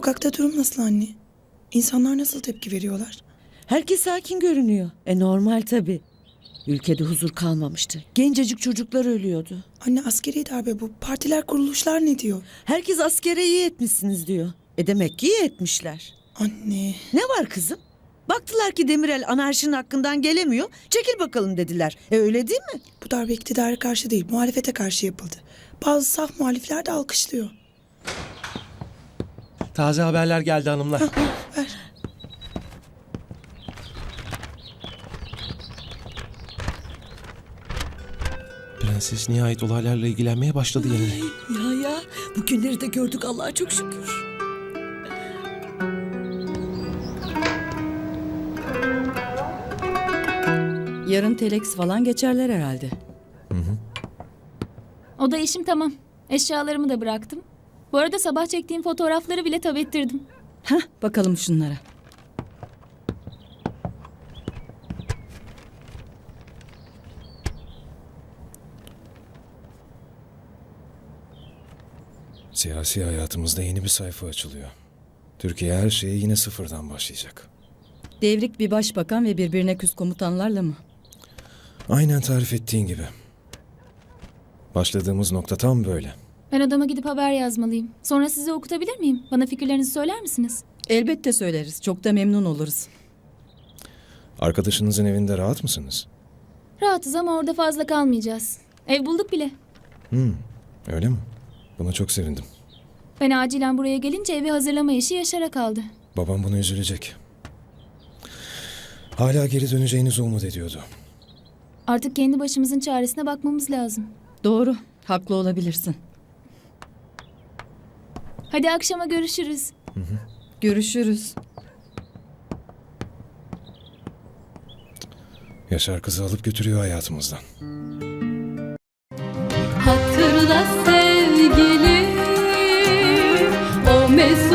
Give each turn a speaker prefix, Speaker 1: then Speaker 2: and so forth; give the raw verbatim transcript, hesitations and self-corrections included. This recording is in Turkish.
Speaker 1: Sokakta durum nasıl anne? İnsanlar nasıl tepki veriyorlar?
Speaker 2: Herkes sakin görünüyor. E normal tabii. Ülkede huzur kalmamıştı. Gencecik çocuklar ölüyordu.
Speaker 1: Anne askeri darbe bu. Partiler kuruluşlar ne diyor?
Speaker 2: Herkes askere iyi etmişsiniz diyor. E demek ki iyi etmişler.
Speaker 1: Anne.
Speaker 2: Ne var kızım? Baktılar ki Demirel anarşinin hakkından gelemiyor. Çekil bakalım dediler. E öyle değil mi?
Speaker 1: Bu darbe iktidara karşı değil, muhalefete karşı yapıldı. Bazı saf muhalifler de alkışlıyor.
Speaker 3: Taze haberler geldi hanımlar.
Speaker 1: Hah, ver.
Speaker 3: Prenses nihayet olaylarla ilgilenmeye başladı yeniden.
Speaker 2: Ya ya bugünleri de gördük Allah'a çok şükür.
Speaker 4: Yarın telex falan geçerler herhalde.
Speaker 5: O da işim tamam. Eşyalarımı da bıraktım. Bu arada sabah çektiğim fotoğrafları bile tab ettirdim.
Speaker 4: Heh, bakalım şunlara.
Speaker 6: Siyasi hayatımızda yeni bir sayfa açılıyor. Türkiye her şeye yine sıfırdan başlayacak.
Speaker 4: Devrik bir başbakan ve birbirine küs komutanlarla mı?
Speaker 6: Aynen tarif ettiğin gibi. Başladığımız nokta tam böyle.
Speaker 5: Ben odama gidip haber yazmalıyım. Sonra size okutabilir miyim? Bana fikirlerinizi söyler misiniz?
Speaker 4: Elbette söyleriz. Çok da memnun oluruz.
Speaker 6: Arkadaşınızın evinde rahat mısınız?
Speaker 5: Rahatız ama orada fazla kalmayacağız. Ev bulduk bile.
Speaker 6: Hmm, öyle mi? Buna çok sevindim.
Speaker 5: Ben acilen buraya gelince evi hazırlama işi Yaşar'a kaldı.
Speaker 6: Babam buna üzülecek. Hala geri döneceğinizi umut ediyordu.
Speaker 5: Artık kendi başımızın çaresine bakmamız lazım.
Speaker 4: Doğru. Haklı olabilirsin.
Speaker 5: Hadi akşama görüşürüz.
Speaker 4: Görüşürüz.
Speaker 6: Yaşar kızı alıp götürüyor hayatımızdan.
Speaker 7: Hatırla sevgilim, o mesut